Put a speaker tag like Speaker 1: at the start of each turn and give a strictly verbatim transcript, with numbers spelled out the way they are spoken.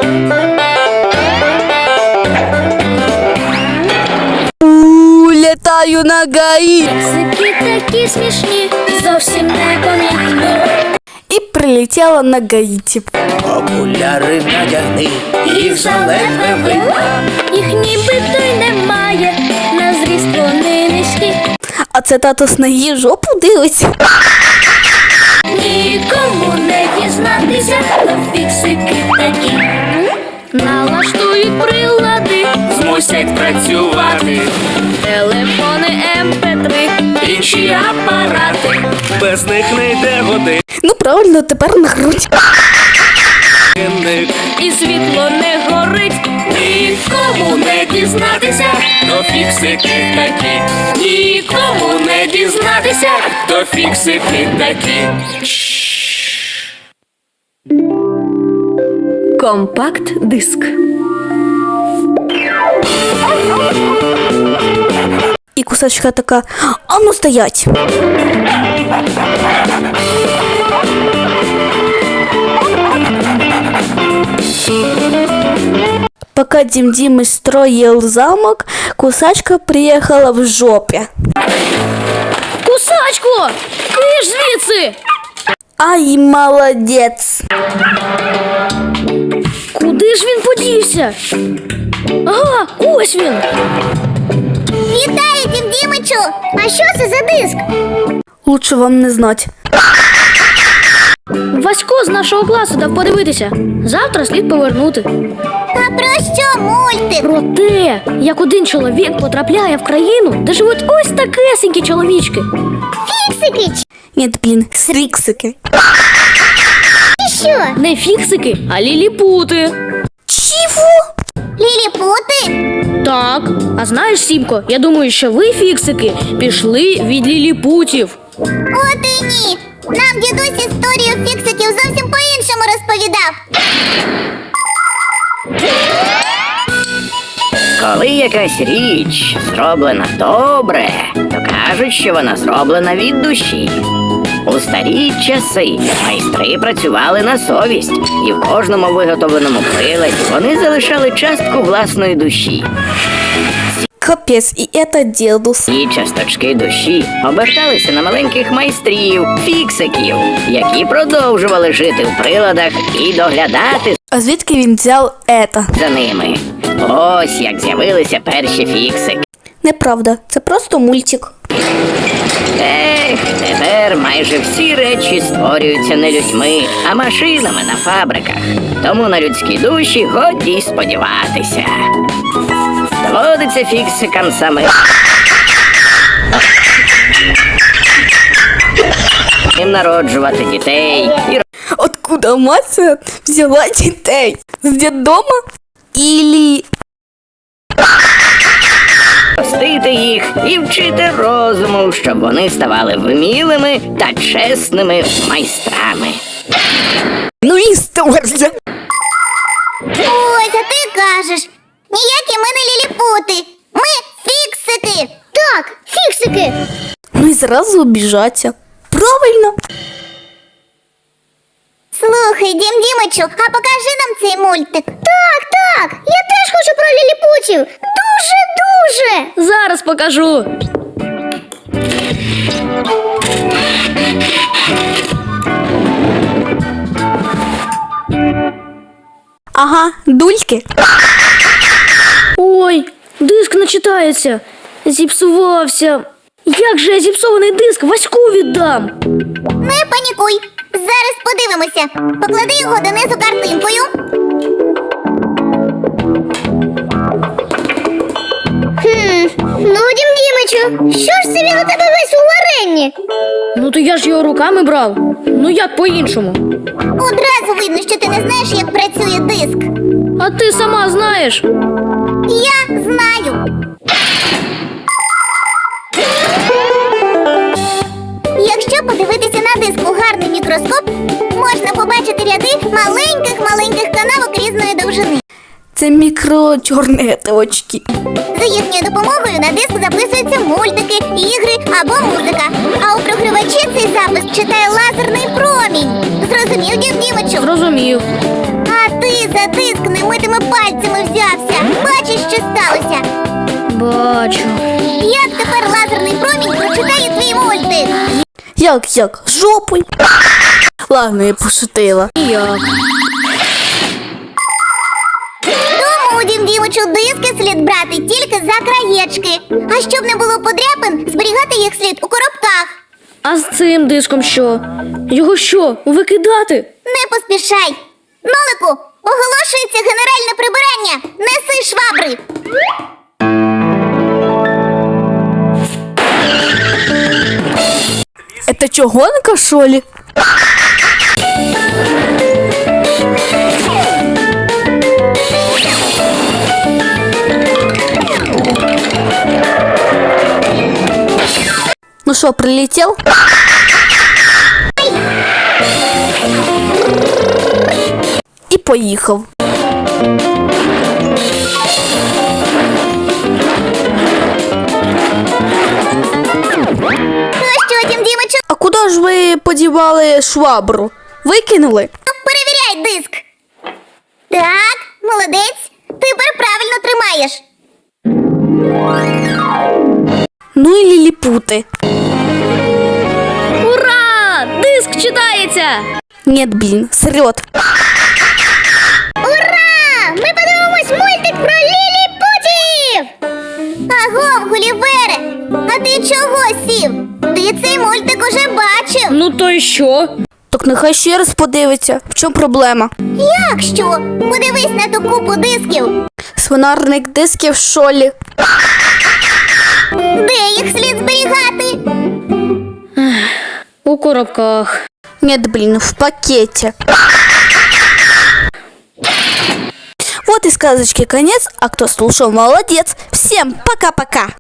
Speaker 1: Літаю на гаї.
Speaker 2: Фіксики такі смішні, зовсім непомітні.
Speaker 1: І прилетіла на Гаїті.
Speaker 3: Окуляри надягни, їх заледве видно.
Speaker 2: Їх нібито й немає, на зріст вони низькі.
Speaker 1: А це тато з ноги жопу дивиться.
Speaker 2: Нікому не дізнатися, то фіксики такі. Налаштують прилади,
Speaker 3: Змусять працювати
Speaker 2: телефони ем пе три.
Speaker 3: інші апарати. Без них не йде годинник.
Speaker 1: Ну правильно, тепер на грудь.
Speaker 2: І світло не горить.
Speaker 3: Нікому не дізнатися, то фіксики такі. Нікому не дізнатися, то фіксики такі.
Speaker 1: Компакт-диск. І кусачка така: а ну стоять. Пока Дим Димыч строил замок, кусачка приехала в жопе.
Speaker 2: Кусачко, киш звідси!
Speaker 1: Ай, молодец.
Speaker 2: Куди ж він подівся? Ага, ось він.
Speaker 4: Вітаю, Дім Дімичу! А що це за диск?
Speaker 1: Лучше вам не знать.
Speaker 2: Васько з нашого класу дав подивитися. Завтра слід повернути.
Speaker 4: А про що мультик?
Speaker 2: Про те, як один чоловік потрапляє в країну, де живуть ось такесенькі чоловічки.
Speaker 4: Фіксики
Speaker 1: Нет, блин, сриксики.
Speaker 4: чи що?
Speaker 2: Не фіксики, а ліліпути.
Speaker 1: Чего?
Speaker 4: Ліліпути?
Speaker 2: Так, а знаєш, Сімко, я думаю, що ви, фіксики, пішли від ліліпутів.
Speaker 4: От і ні. Нам дідусь історію фіксиків зовсім по-іншому розповідав.
Speaker 5: Коли якась річ зроблена добре, то кажуть, що вона зроблена від душі. У старі часи майстри працювали на совість, і в кожному виготовленому приладі вони залишали частку власної душі.
Speaker 1: Капец, и это дедус.
Speaker 5: Ці часточки душі оберталися на маленьких майстрів, фіксиків, які продовжували жити в приладах і доглядати
Speaker 1: А звідки він взяв это?
Speaker 5: за ними. Ось як з'явилися перші фіксики.
Speaker 1: Неправда, це просто мультик.
Speaker 5: Ех, тепер майже всі речі створюються не людьми, а машинами на фабриках. Тому на людські душі годі й сподіватися. Доводиться фіксикам саме їм народжувати дітей і
Speaker 1: Откуда мать взяла дітей? З дитдома? Или...
Speaker 5: ростити їх і вчити розуму, щоб вони ставали вмілими та чесними майстрами.
Speaker 1: Ну історія.
Speaker 4: Ось, а ти кажеш. Ніякі ми не ліліпути. Ми фіксики. Так, фіксики.
Speaker 1: Ну і зразу обіжаться. Правильно.
Speaker 4: Слухай, Дім Дімичу, а покажи нам цей мультик. Так, так, я теж хочу про ліліпутів. Дуже-дуже.
Speaker 2: Зараз покажу.
Speaker 1: Ага, дульки.
Speaker 2: Ой, диск не читається. Зіпсувався. Як же я зіпсований диск Ваську віддам?
Speaker 4: Не панікуй. Зараз подивимося. Поклади його донизу картинкою. Хм, ну, Дім Дімичу, що ж це він у тебе весь у варенні?
Speaker 2: Ну то я ж його руками брав. Ну як по-іншому?
Speaker 4: Одразу видно, що ти не знаєш, як працює диск.
Speaker 2: А ти сама знаєш.
Speaker 4: Я знаю. Якщо подивитися на диск у гарний мікроскоп, можна побачити ряди маленьких-маленьких канавок різної довжини.
Speaker 1: Це це мікрочорнеточки.
Speaker 4: За їхньою допомогою на диск записуються мультики, ігри або музика. А у програвачі цей запис читає лазерний промінь. Зрозумів, Дім Дімичу?
Speaker 2: Зрозумів.
Speaker 4: А ти за диск немитими пальцями взявся. Бачиш, що сталося?
Speaker 2: Бачу.
Speaker 4: Як тепер лазерний промінь прочитає твій мультик?
Speaker 1: Як, як? Жопою? Ладно, я пошутила.
Speaker 2: Як?
Speaker 4: Тому, Дім Дімичу, диски слід брати тільки за краєчки. А щоб не було подряпин, зберігати їх слід у коробках.
Speaker 2: А з цим диском що? Його що, викидати?
Speaker 4: Не поспішай. Нолику, оголошується генеральне прибирання. Неси швабри.
Speaker 1: Это чё, гонка, что ли? Ну что, прилетел? И поехал.
Speaker 4: Ну що, Дім Дімичу,
Speaker 1: А куда ж ви подівали швабру? Викинули?
Speaker 4: перевіряй диск. Так, молодець. Тепер правильно тримаєш.
Speaker 1: Ну і ліліпути.
Speaker 2: Ура! Диск читається!
Speaker 1: Нет, блин, срет.
Speaker 4: Ура! Ми подивимось мультик про ліліпутів! Агов, Гулівере! А ти чого сів? Ти цей мультик уже бачив.
Speaker 2: Ну то й що?
Speaker 1: Так нехай ще раз подивиться. В чому проблема?
Speaker 4: Як що? Подивись на ту купу дисків.
Speaker 1: Свинарник дисків, що ли?
Speaker 4: Де їх слід зберігати?
Speaker 2: У коробках.
Speaker 1: Нет, блин, в пакете. Вот и сказочки конец, а кто слушал, молодец. Всем пока-пока.